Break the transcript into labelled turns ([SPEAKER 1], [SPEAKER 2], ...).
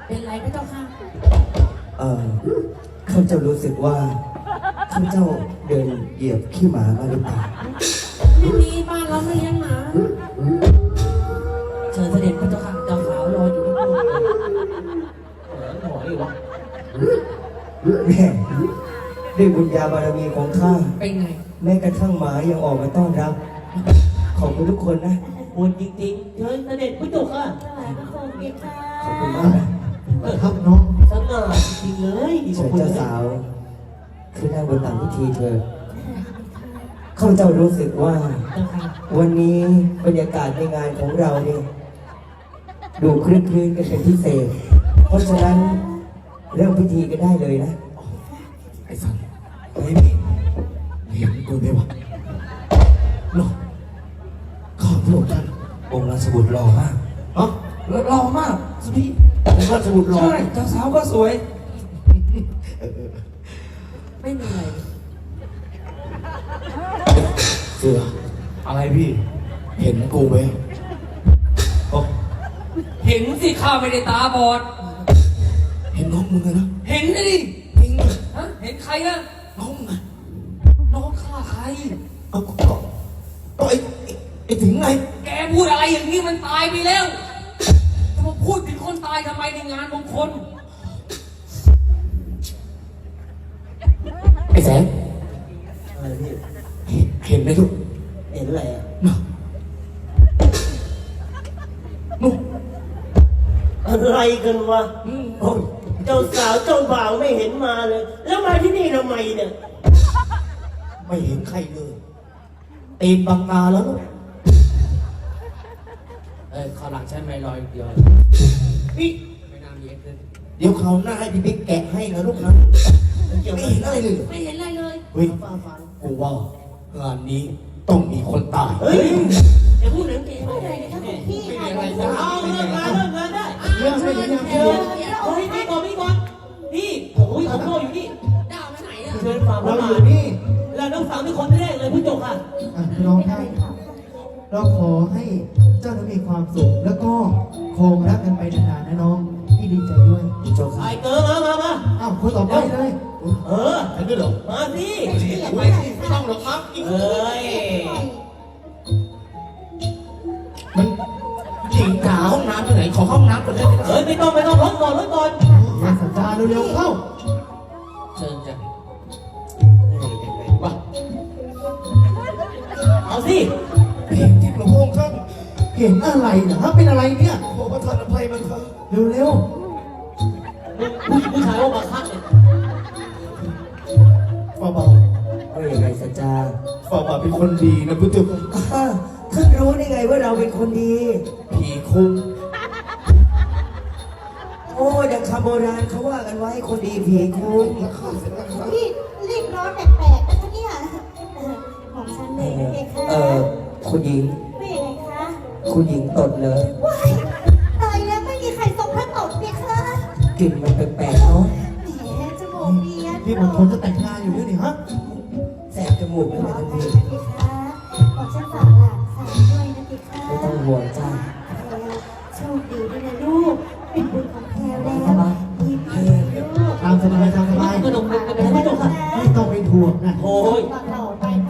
[SPEAKER 1] เป็นไรพระเจ้าค่ะ
[SPEAKER 2] ข้าเจ้ารู้สึกว่าข้าเจ้าเดินเหยียบขี้หมามาหรือเปล่า
[SPEAKER 1] ไม่มีบ้านเราไม่เลี้ยงหมาเชิญเสด็จพระเจ้าค่ะเจ้าขาวรออยู่ที่นู่นหมออีกวะ
[SPEAKER 2] แม่ด้วยบุญญาบารมีของข้า
[SPEAKER 1] เป็นไง
[SPEAKER 2] แม้กระทั่งหมายังออกมาต้อนรับขอบคุณทุกคนนะ
[SPEAKER 1] บุญจริงๆเชิญเสด็จพระเจ้าค่ะ
[SPEAKER 2] ขอบคุณมาก
[SPEAKER 3] ครับน้อง
[SPEAKER 1] สง่าจริงเลย
[SPEAKER 2] เชิญเจ้าสาวขึ้นนั่งบนตักพิธีเธอข้าเจ้ารู้สึกว่าวันนี้บรรยากาศในงานของเราเนี่ยดูคลึกคลื้นกันเป็นพิเศษเพราะฉะนั้นเริ่มพิธีกันได้เลยนะ
[SPEAKER 3] ไอ้สันไอ้นี่เห็นกูไหมวะหล่อข้าพระองค์ท่าน
[SPEAKER 2] องค์ราชบุตรหล่อมาก
[SPEAKER 3] อ๋อหล่อมากสุดที่องค์ราชบุตรหล่อ
[SPEAKER 2] ใช่เจ้าสาวก็สวย
[SPEAKER 1] ไม่มีอะไร
[SPEAKER 3] เสืออะไรพี่เห็นกูไหม
[SPEAKER 1] เห็นสิข้าไม่ได้ตาบอด
[SPEAKER 3] เห็นน้องมึงนะ
[SPEAKER 1] เห็นดิ
[SPEAKER 3] จริง
[SPEAKER 1] ฮะเห็นใครอะ
[SPEAKER 3] น้องไง
[SPEAKER 1] น้องข้าใคร
[SPEAKER 3] ก็ไอ้ถึงไง
[SPEAKER 1] แกพูดอะไรอย่างนี้มันตายไปแล้วจะมาพูดถึงคนตายทำไมในงานมงคล
[SPEAKER 3] ไอ้แสง
[SPEAKER 2] อะไรพี่
[SPEAKER 3] เห็นไหมลูก
[SPEAKER 2] เห็นอะไรอ่ะ
[SPEAKER 3] นู่น
[SPEAKER 4] อะไรกันวะเจ้าสาวเจ้าบ่าวไม่เห็นมาเลยแล้วมาที่นี่ทำไมเนี่ย
[SPEAKER 3] ไม่เห็นใครเลยตีนบางนาแล้วลูก
[SPEAKER 1] ข้าวหลังใช้ไม้ลอยเดียว
[SPEAKER 3] นี่
[SPEAKER 1] ไม่น่ามีเอ็กซ์
[SPEAKER 3] เดี๋ยวเขาหน้าให้พี่บิ๊กแกะให้นะลูกนะไม่เห็นอะไรเลย
[SPEAKER 1] ไม่เห็นอะไรเลย
[SPEAKER 3] เฮ้ยกูว่างานนี้ต้องมีคนตาย
[SPEAKER 4] เฮ้ยอย่าพูดถึงเกมอะไรนะครับพี่ไม่มีอะไรจะเอาเริ่มงานได้
[SPEAKER 3] เรื่องไม่ได้
[SPEAKER 4] เชิญพี่ก่อนพี่โอ้ยผมโง่อยู่นี่
[SPEAKER 1] ดาวไปไหนอะ
[SPEAKER 4] เชิญฝ่าเราอยู่นี่แล้วน้องสาวเป็นคนแรกเลยผู้จบค่ะ
[SPEAKER 3] น้องท่านเราขอให้เจ้ามีความสุขแล้วก็คงรักกันไปนานๆนะน้องพี่ดีใจด้วย
[SPEAKER 2] โจ๊ก
[SPEAKER 4] ไอ้เต๋อมา
[SPEAKER 3] อ้าวคนต่อไปเลย
[SPEAKER 4] เห็นด้วยเหรอมาสิ
[SPEAKER 3] ไม่ต้องหรอกครับมันหญิงหาห้องน้ำที่ไหนขอห้องน้ำก่อนได้ไหม
[SPEAKER 4] ไม่ต้องรถก่อน
[SPEAKER 3] สัญญาเร็วๆเข้า
[SPEAKER 1] เชิญจ้ะ
[SPEAKER 3] วะ
[SPEAKER 4] เอาสิ
[SPEAKER 3] เห็นที่หลวงพ่อท่านเห็นอะไรนะฮะเป็นอะไรเนี่ยขอประทานอภัยมันครับเร็ว
[SPEAKER 4] ผู้ชายว่ามาคัดเลย
[SPEAKER 3] ฝ่าบา
[SPEAKER 2] ว่าอย่างไรสัจจา
[SPEAKER 3] ฝ่าบาเป็นคนดีนะพุทธเจ้า
[SPEAKER 2] ท่านรู้ได้ไงว่าเราเป็นคนดี
[SPEAKER 3] ผีคุ้ม
[SPEAKER 2] โอ้ดังคำโบราณเขาว่ากันไว้คนดีผีคุ้ม
[SPEAKER 5] พี่รีบร้อนแปลกๆนะคะเนี่ยของฉันเลยนะเด็กค่ะ
[SPEAKER 2] คุณหญิง
[SPEAKER 5] ไม่เองคะ
[SPEAKER 2] คุณหญิงตดเลย
[SPEAKER 5] ว้ายตายแล้วไม่มีใครทรงพระตดเลยค่ะ
[SPEAKER 2] กลิ่นมันแปลกๆเนาะ
[SPEAKER 5] แหมจมูกเบี้ย
[SPEAKER 3] พี่บางคนจะแต่งงานอยู่ด้วยนี่ฮะ
[SPEAKER 2] แสบจมูกเลยทันที
[SPEAKER 5] ของฉันฝากหลานสาวด้วยนะพี่ค่ะ
[SPEAKER 2] ไม่ต้องห่วงจ้า
[SPEAKER 5] โชคดีด้วยนะลูกเป็นบุญของแพรแล้วยิ้มให้ลูก
[SPEAKER 3] ตามสบาย
[SPEAKER 4] ก็ต้องเป็นผู้จบค่ะ
[SPEAKER 3] ไม่ต้องไปถ่วงนะ
[SPEAKER 4] โอ้ย
[SPEAKER 5] หล่อไป